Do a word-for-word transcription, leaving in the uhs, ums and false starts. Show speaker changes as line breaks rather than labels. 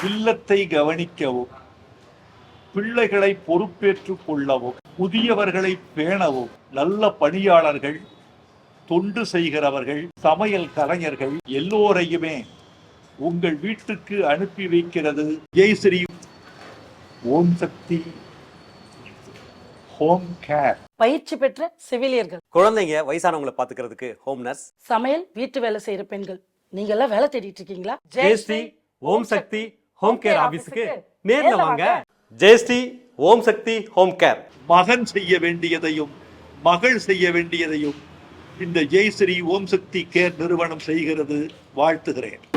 இல்லத்தை கவனிக்கவும், பிள்ளைகளை பொறுப்பேற்றுக் கொள்ளவும், முதியவர்களை பேணவும், நல்ல பணியாளர்கள், தொண்டு செய்கிறவர்கள், சமையல் கலைஞர்கள் எல்லோரையுமே உங்கள் வீட்டுக்கு அனுப்பி வைக்கிறது ஜெய் ஸ்ரீ ஓம் சக்தி ஹோம் கேர்.
பயிற்சி பெற்ற செவிலியர்கள்,
குழந்தைங்க வயசானவங்களை பாத்துக்கிறதுக்கு ஹோம் நர்ஸ்,
சமையல் வீட்டு வேலை செய்யற பெண்கள், நீங்க எல்லாம் வேலை தேடிட்டு இருக்கீங்களா?
ஜெயஸ்ரீ ஓம் சக்தி ஹோம் கேர் ஆபீஸ்க்கு நேர்ல வாங்க. Jayasree Om Shakti home care.
மகன் செய்ய வேண்டியதையும் மகள் செய்ய வேண்டியதையும் இந்த ஜெய் ஸ்ரீ ஓம் சக்தி கேர் நிறுவனம் செய்கிறது. வாழ்த்துகிறேன்.